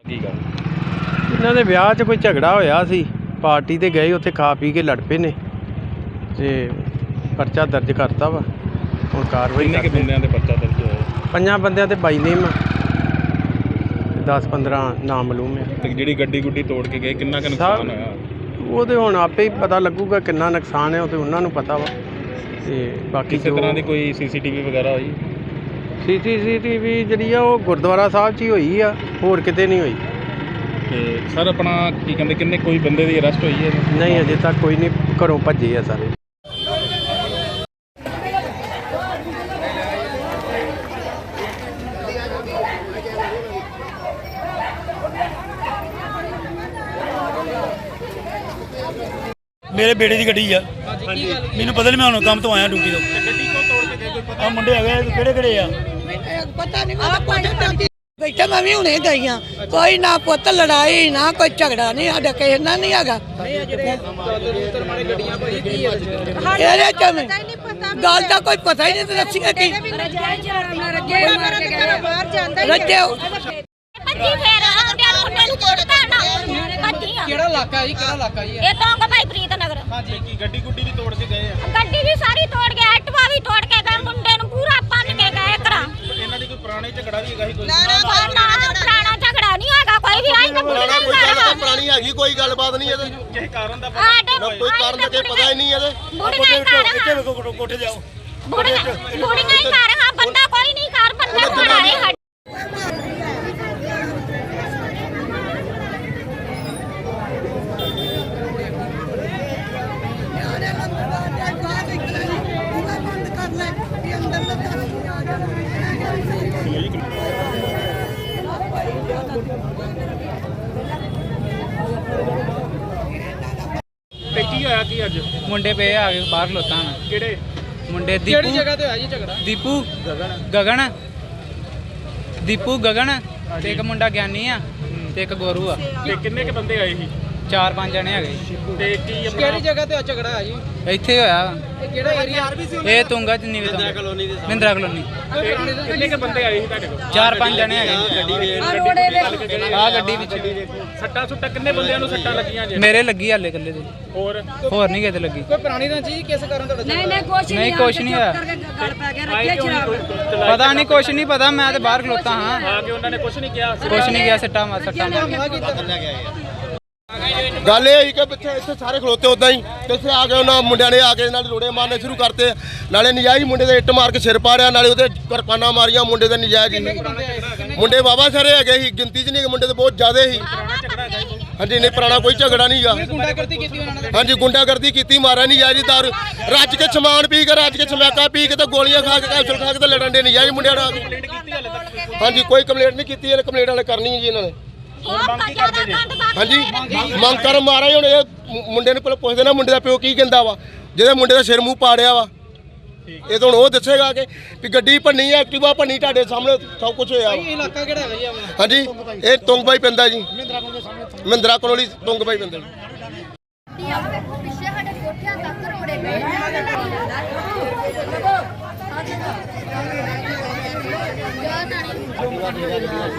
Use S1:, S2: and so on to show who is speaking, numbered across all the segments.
S1: ਕੀ ਗੱਲ
S2: ਇਹਨਾਂ ਦੇ ਵਿਆਹ 'ਚ ਕੋਈ ਝਗੜਾ ਹੋਇਆ ਸੀ। ਪਾਰਟੀ ਤੇ ਗਏ, ਉੱਥੇ ਖਾ ਪੀ ਕੇ ਲੜ ਪਏ ਨੇ ਤੇ ਪਰਚਾ ਦਰਜ ਕਰਤਾ ਵਾ। ਹੁਣ ਕਾਰਵਾਈ
S1: ਕਿੰਨੇ ਕਿ ਬੰਦਿਆਂ ਦੇ ਪਰਚਾ ਦਰਜ ਹੋਇਆ?
S2: 5 ਬੰਦਿਆਂ ਤੇ ਬਾਈ ਨੇਮ ਆ, 10-15 ਨਾਮਲੂਮ ਆ।
S1: ਤੇ ਜਿਹੜੀ ਗੱਡੀ ਗੁੱਡੀ ਤੋੜ ਕੇ ਗਏ ਕਿੰਨਾ ਕੁ ਨੁਕਸਾਨ ਹੋਇਆ?
S2: ਉਹਦੇ ਹੁਣ ਆਪੇ ਹੀ ਪਤਾ ਲੱਗੂਗਾ ਕਿੰਨਾ ਨੁਕਸਾਨ ਹੈ, ਉਹ ਤੇ ਉਹਨਾਂ ਨੂੰ ਪਤਾ ਵਾ। ਤੇ ਬਾਕੀ
S1: ਕਿਸੇ ਤਰ੍ਹਾਂ ਦੀ ਕੋਈ ਸੀਸੀਟੀਵੀ ਵਗੈਰਾ ਹੋਈ?
S2: ਸੀਸੀਟੀਵੀ ਜਿਹੜੀ ਆ ਉਹ ਗੁਰਦੁਆਰਾ ਸਾਹਿਬ 'ਚ ਹੀ ਹੋਈ ਆ, ਹੋਰ ਕਿਤੇ ਨਹੀਂ ਹੋਈ।
S1: ਤੇ ਸਰ ਆਪਣਾ ਕੀ ਕਹਿੰਦੇ ਕਿੰਨੇ ਕੋਈ ਬੰਦੇ ਦੀ ਅਰੈਸਟ ਹੋਈ ਹੈ?
S2: ਨਹੀਂ, ਅਜੇ ਤੱਕ ਕੋਈ ਨਹੀਂ, ਘਰੋਂ ਭੱਜੇ ਆ ਸਾਰੇ।
S3: ਮੇਰੇ ਬੇੜੇ ਦੀ ਗੱਡੀ ਆ। ਮੈਨੂੰ ਪਤਾ ਨਹੀਂ, ਮੈਂ ਹੁਣ ਕੰਮ ਤੋਂ ਆਇਆ ਡਿਊਟੀ ਤੋਂ।
S1: ਗੱਡੀ ਕੋ ਤੋੜ ਕੇ ਗਏ? ਕੋਈ
S3: ਆ ਮੁੰਡੇ ਹੈਗੇ, ਕਿਹੜੇ ਆ?
S4: ਪਤਾ ਨਹੀਂ, ਬੈਠਾ ਮੈਂ ਵੀ ਹੁਣੇ ਗਈ ਆ। ਕੋਈ ਨਾ ਪੁੱਤ ਲੜਾਈ ਨਾ ਕੋਈ ਝਗੜਾ ਨਹੀਂ ਸਾਡਾ ਕਿਸੇ ਨਾਲ ਨਹੀਂ ਹੈਗਾ। ਇਹਦੇ ਚ ਗੱਲ ਦਾ ਕੋਈ ਪਤਾ ਹੀ ਨਹੀਂ ਤੇ ਦੱਸੀਆਂ ਕੀ ਰੱਜੇ
S5: ਕਿਹੜਾ ਇਲਾਕਾ ਜੀ? ਕਿਹੜਾ ਇਲਾਕਾ ਜੀ?
S6: ਇਹ ਤਾਂ ਭਾਈ ਪ੍ਰੀਤ ਨਗਰ।
S1: ਹਾਂਜੀ, ਕੀ ਗੱਡੀ ਗੁੱਡੀ ਵੀ ਤੋੜ ਕੇ ਗਏ ਆ?
S6: ਗੱਡੀ ਵੀ ਸਾਰੀ ਤੋੜ ਕੇ, ਐਕਟਿਵਾ ਵੀ ਤੋੜ ਕੇ ਗਏ, ਮੁੰਡੇ ਨੂੰ ਪੂਰਾ ਭੰਨ ਕੇ ਗਏ ਘਰਾਂ।
S1: ਇਹਨਾਂ ਦੀ ਕੋਈ ਪੁਰਾਣੀ ਝਗੜਾ ਵੀ ਹੈਗਾ ਸੀ? ਕੋਈ
S6: ਪੁਰਾਣਾ ਝਗੜਾ ਨਹੀਂ ਹੈਗਾ ਕੋਈ ਵੀ। ਆਈ ਤਾਂ ਬੁੜੀਆਂ ਹੀ ਕਰ
S7: ਪੁਰਾਣੀ ਹੈਗੀ, ਕੋਈ ਗੱਲਬਾਤ ਨਹੀਂ ਇਹਦੇ।
S1: ਕਿਸੇ ਕਾਰਨ ਦਾ
S7: ਕੋਈ ਕਾਰਨ ਦਾ ਪਤਾ ਹੀ ਨਹੀਂ ਇਹਦੇ।
S6: ਬੁੜੀਆਂ ਹੀ ਕਰ
S3: ਕੋਠੇ ਜਾਓ।
S6: ਬੁੜੀਆਂ ਹੀ ਕਰ ਹਾਂ, ਬੰਦਾ ਕੋਈ ਨਹੀਂ ਕਰ, ਬੰਦਾ ਖੜਾ ਹੈ।
S1: ਤੇ ਕੀ ਹੋਇਆ ਕੀ ਅੱਜ?
S8: ਮੁੰਡੇ ਪਏ ਆ ਗਏ ਬਾਹਰ ਖਲੋਤਾ ਮੈਂ।
S1: ਕਿਹੜੇ
S8: ਮੁੰਡੇ
S5: ਕਿਹੜੀ ਜਗ੍ਹਾ ਤੇ ਹੋਇਆ ਜੀ ਝਗੜਾ?
S8: ਦੀਪੂ ਗਗਨ ਤੇ ਇੱਕ ਮੁੰਡਾ ਗਿਆਨੀ ਆ ਤੇ ਇੱਕ ਗੋਰੂ ਆ।
S1: ਤੇ ਕਿੰਨੇ ਕੇ ਬੰਦੇ ਆਏ ਸੀ?
S8: 4-5 ਜਣੇ ਹੈਗੇ।
S1: ਤੇ ਕੀ
S5: ਕਿਹੜੀ ਜਗ੍ਹਾ ਤੇ ਝਗੜਾ ਹੈ ਜੀ?
S8: ਇੱਥੇ ਹੋਇਆ
S5: ਇਹ ਕਿਹੜਾ ਏਰੀਆ?
S8: ਇਹ ਤੁੰਗਾ ਚ ਨੀਵੇਂ ਤੋਂ ਮਹਿੰਦਰਾ ਕਲੋਨੀ।
S1: ਕਿੰਨੇ ਕੇ ਬੰਦੇ ਆਏ ਸੀ ਤੁਹਾਡੇ ਕੋਲ?
S8: 4-5 ਜਣੇ ਹੈਗੇ। ਆ ਗੱਡੀ ਵਿੱਚ
S1: ਸੱਟਾਂ ਸੁੱਟਾਂ ਕਿੰਨੇ ਬੰਦਿਆਂ ਨੂੰ ਸੱਟਾਂ ਲੱਗੀਆਂ ਜੇ?
S8: ਮੇਰੇ ਲੱਗੀ ਹਾਲੇ ਇਕੱਲੇ ਦੇ,
S1: ਹੋਰ
S8: ਹੋਰ ਨਹੀਂ ਕਿਤੇ ਲੱਗੀ।
S5: ਕੋਈ ਪੁਰਾਣੀ ਰੰਜੀ ਕਿਸ ਕਾਰਨ ਤੁਹਾਡਾ?
S8: ਨਹੀਂ ਕੁਛ ਨਹੀਂ ਹੋਇਆ, ਪਤਾ ਨਹੀਂ, ਕੁਛ ਨਹੀਂ ਪਤਾ। ਮੈਂ ਤੇ ਬਾਹਰ ਖਲੋਤਾ ਹਾਂ।
S1: ਆ ਕੇ ਉਹਨਾਂ ਨੇ ਕੁਝ ਨਹੀਂ ਕਿਹਾ?
S8: ਕੁਛ ਨਹੀਂ ਗਿਆ, ਸੱਟਾਂ ਮਾਰ
S7: ਗੱਲ ਇਹ ਹੋਈ ਕਿ ਇੱਥੇ ਸਾਰੇ ਖਲੋਤੇ ਉਦਾਂ ਹੀ, ਤੇ ਇੱਥੇ ਆ ਕੇ ਉਹਨਾਂ ਮੁੰਡਿਆਂ ਨੇ ਆ ਕੇ ਨਾਲ ਰੋੜੇ ਮਾਰਨੇ ਸ਼ੁਰੂ ਕਰਤੇ। ਨਾਲੇ ਨਜਾਇਜ਼ ਮੁੰਡੇ ਦੇ ਇੱਟ ਮਾਰ ਕੇ ਸਿਰ ਪਾੜਿਆ, ਨਾਲੇ ਉਹਦੇ ਕਿਰਪਾਨਾਂ ਮਾਰੀਆਂ ਮੁੰਡੇ ਦੇ ਨਜਾਇਜ਼ ਹੀ। ਮੁੰਡੇ ਬਾਬਾ ਸਾਰੇ ਹੈਗੇ ਸੀ, ਗਿਣਤੀ 'ਚ ਨਹੀਂ, ਮੁੰਡੇ ਤੇ ਬਹੁਤ ਜ਼ਿਆਦਾ ਸੀ। ਹਾਂਜੀ, ਨਹੀਂ ਪੁਰਾਣਾ ਕੋਈ ਝਗੜਾ ਨਹੀਂ ਗਾ।
S5: ਗੁੰਡਾਗਰਦੀ ਕੀਤੀ ਉਹਨਾਂ ਨੇ?
S7: ਹਾਂਜੀ, ਗੁੰਡਾਗਰਦੀ ਕੀਤੀ, ਮਾਰਿਆ ਨਜਾਇਜ਼ ਦਾਰੂ ਰੱਜ ਕੇ ਸਮਾਨ ਪੀ ਕੇ, ਰੱਜ ਕੇ ਸਮੈਕਾ ਪੀ ਕੇ ਤੇ ਗੋਲੀਆਂ ਖਾ ਕੇ, ਕੈਪਸੂਲ ਖਾ ਕੇ ਤੇ ਲੜਨ ਦੇ ਨਜਾਇਜ਼ ਮੁੰਡਿਆਂ ਨਾਲ। ਹਾਂਜੀ, ਕੋਈ ਕੰਪਲੇਂਟ ਨਹੀਂ ਕੀਤੀ, ਇਹਨੇ ਕੰਪਲੇਂਟ ਵਾਲੇ ਕਰਨੀ ਹੈ ਜੀ ਇਹਨਾਂ ਨੇ। ਹਾਂਜੀ, ਮੰਗ ਕਰ ਮਾਰਾ। ਹੁਣ ਇਹ ਮੁੰਡੇ ਨੂੰ ਪਹਿਲਾਂ ਪੁੱਛਦੇ ਨਾ ਮੁੰਡੇ ਦਾ ਪਿਓ ਕੀ ਕਹਿੰਦਾ ਵਾ, ਜਿਹਦੇ ਮੁੰਡੇ ਦਾ ਸਿਰ ਮੂੰਹ ਪਾੜਿਆ ਵਾ। ਇਹ ਤਾਂ ਹੁਣ ਉਹ ਦੱਸੇਗਾ ਕਿ ਵੀ ਗੱਡੀ ਭੰਨੀ, ਐਕਟਿਵਾ ਭੰਨੀ, ਤੁਹਾਡੇ ਸਾਹਮਣੇ ਸਭ ਕੁਝ ਹੋਇਆ ਵਾ।
S5: ਇਹ ਇਲਾਕਾ ਕਿਹੜਾ ਹੈ ਜੀ ਆਪਣਾ?
S7: ਹਾਂਜੀ, ਇਹ ਤੁੰਗਬਾਈ ਪੈਂਦਾ ਜੀ, ਮਹਿੰਦਰਾ ਕਲੋਨੀ ਤੁੰਗਬਾਈ ਪੈਂਦਾ।
S6: ਪਿੱਛੇ ਸਾਡੇ ਕੋਠਿਆਂ ਤੱਕ ਰੋੜੇ ਗਏ।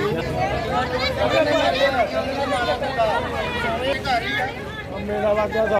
S2: ਮੇਰਾ ਵਾਕਿਆ